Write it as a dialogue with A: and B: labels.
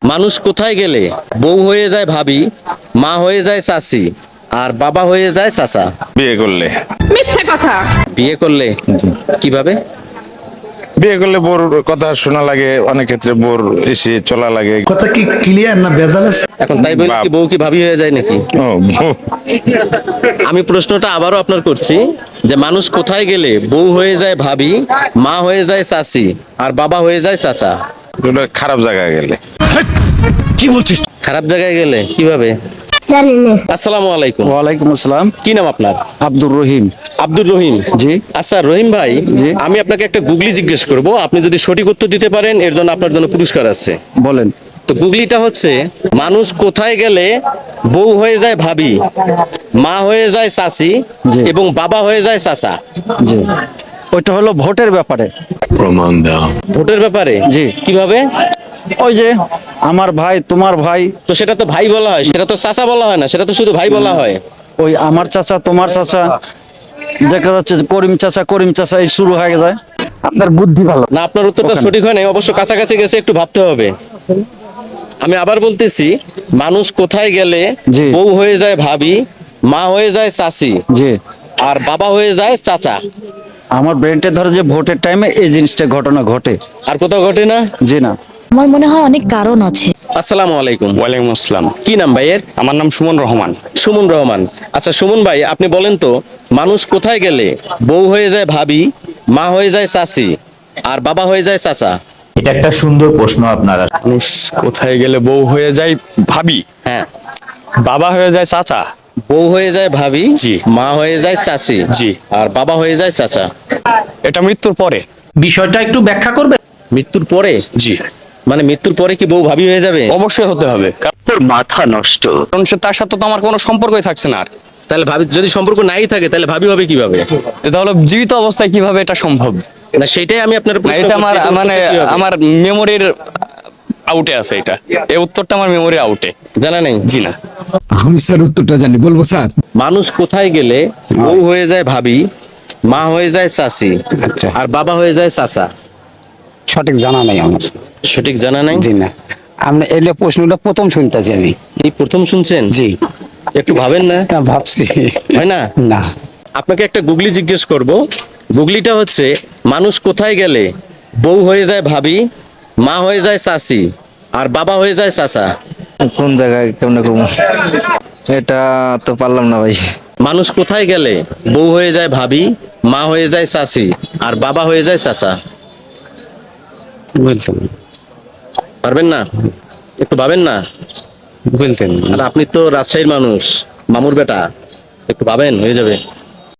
A: মানুষ কোথায় গেলে বউ হয়ে যায় ভাবি, মা হয়ে যায় চাচি, আর বাবা হয়ে যায় চাচা?
B: বিয়ে করলে।
C: মিথ্যে কথা।
A: বিয়ে করলে? কিভাবে?
B: বিয়ে করলে বোর কথা শোনা লাগে, অনেক ক্ষেত্রে বোর এসে চলা লাগে।
D: কথা কি ক্লিয়ার না ভেজাল আছে?
A: এখন তাই বলে কি বউ কি ভাবি হয়ে যায় নাকি?
B: ও,
A: আমি প্রশ্নটা আবারও আপনার করছি যে মানুষ কোথায় গেলে বউ হয়ে যায় ভাবি, মা হয়ে যায় চাচি, আর বাবা হয়ে যায় চাচা?
B: ওটা খারাপ জায়গায় গেলে।
A: খারাপ জায়গায় গেলে কিভাবে?
E: জানি না।
A: আসসালামু আলাইকুম।
D: ওয়ালাইকুম আসসালাম।
A: কি নাম আপনার?
D: আব্দুর রহিম।
A: আব্দুর রহিম।
D: জি।
A: আচ্ছা রহিম ভাই,
D: জি।
A: আমি আপনাকে একটা গুগলি জিজ্ঞেস করব, আপনি যদি সঠিক উত্তর দিতে পারেন এর জন্য আপনার জন্য পুরস্কার আছে।
D: বলেন।
A: তো গুগলিটা হচ্ছে, মানুষ কোথায় গেলে বউ হয়ে যায় ভাবি, মা হয়ে যায় চাচি,
D: জি।
A: এবং বাবা হয়ে যায় চাচা?
D: জি, ওইটা হলো ভোটের ব্যাপারে।
A: ভোটের ব্যাপারে?
D: জি।
A: কিভাবে?
D: ওই যে আমার ভাই তোমার ভাই,
A: তো সেটা তো ভাই বলা হয়, সেটা তো চাচা বলা হয় না, সেটা তো শুধু ভাই বলা হয়।
D: ওই আমার চাচা তোমার চাচা, দেখা যাচ্ছে যে করিম চাচা এই শুরু হয়ে যায়। আপনার বুদ্ধি ভালো।
A: না, আপনার উত্তরটা
D: ওখানে।
A: সঠিক হয় নাই, অবশ্য কাছাকাছি গেছে, একটু ভাবতে হবে। আমি আবার বলতেছি, মানুষ কোথায় গেলে
D: জি।
A: বউ হয়ে যায় ভাবি, মা হয়ে যায় চাচি,
D: জি,
A: আর বাবা হয়ে যায় চাচা?
D: আমার ব্রেনটে ধরে যে ভোটের টাইমে এই জিনিসটা ঘটনা ঘটে।
A: আর কোথাও ঘটে না?
D: জি না।
F: আমার মনে হয় অনেক কারণ আছে।
A: আসসালামু আলাইকুম।
G: ওয়ালাইকুম আসসালাম।
A: কি নাম ভাইয়ের?
G: আমার নাম সুমন রহমান।
A: সুমন রহমান। আচ্ছা সুমন ভাই, আপনি বলেন তো, মানুষ কোথায় গেলে বউ হয়ে যায় ভাবি, মা হয়ে যায় চাচি, আর বাবা হয়ে যায় চাচা?
H: এটা একটা সুন্দর প্রশ্ন আপনারা।
G: মানুষ কোথায় গেলে বউ হয়ে যায় ভাবি,
A: হ্যাঁ।
G: বাবা হয়ে যায় চাচা।
A: বউ হয়ে যায় ভাবি,
G: জি।
A: মা হয়ে যায় চাচি,
G: জি।
A: আর বাবা হয়ে যায় চাচা।
G: এটা মৃত্যুর পরে।
D: বিষয়টা একটু ব্যাখ্যা করবে?
A: মৃত্যুর পরে?
G: জি,
A: মানে মৃত্যুর পরে কি বউ ভাবি হয়ে যাবে?
G: অবশ্যই হতে হবে, কারণ সে তার সাথে তো আমার কোনো সম্পর্কই থাকছে না আর।
A: তাহলে ভাবি, যদি সম্পর্ক নাই থাকে তাহলে ভাবি হবে কিভাবে?
G: তো তাহলে জীবিত অবস্থায় কিভাবে এটা সম্ভব?
A: না সেটাই আমি আপনার
G: না, এটা আমার মানে আমার মেমোরির আউটে আছে। এটা এই উত্তরটা আমার মেমোরির আউটে।
A: জানা নেই।
G: জি না।
I: আমি স্যার উত্তরটা জানি, বলবো স্যার?
A: মানুষ কোথায় গেলে বউ হয়ে যায় ভাবি, মা হয়ে যায় চাচি,
H: আচ্ছা,
A: আর বাবা হয়ে যায় চাচা?
H: সঠিক জানা নাই আমার।
A: সঠিক জানা নাই?
H: জি না, আপনি এলে প্রশ্নটা প্রথম শুনতেছি আমি।
A: এই প্রথম শুনছেন?
H: জি
A: একটু ভাবেন না?
H: না, ভাবছি।
A: হয় না?
H: না,
A: আপনাকে একটা গুগলি জিজ্ঞেস করব। গুগলিটা হচ্ছে, মানুষ কোথায় গেলে বউ হয়ে যায় ভাবি, মা হয়ে যায় চাচি, আর বাবা হয়ে যায় চাচা?
J: কোন জায়গায় কেমনে করবো, এটা তো পারলাম না ভাই।
A: মানুষ কোথায় গেলে বউ হয়ে যায় ভাবি, মা হয়ে যায় চাচি, আর বাবা হয়ে যায় চাচা?
G: বলছেন
A: পারবেন না? একটু ভাবেন না?
G: বলছেন
A: আর আপনি তো রাজশাহীর মানুষ, মামুর বেটা, একটু ভাবেন, হয়ে যাবে।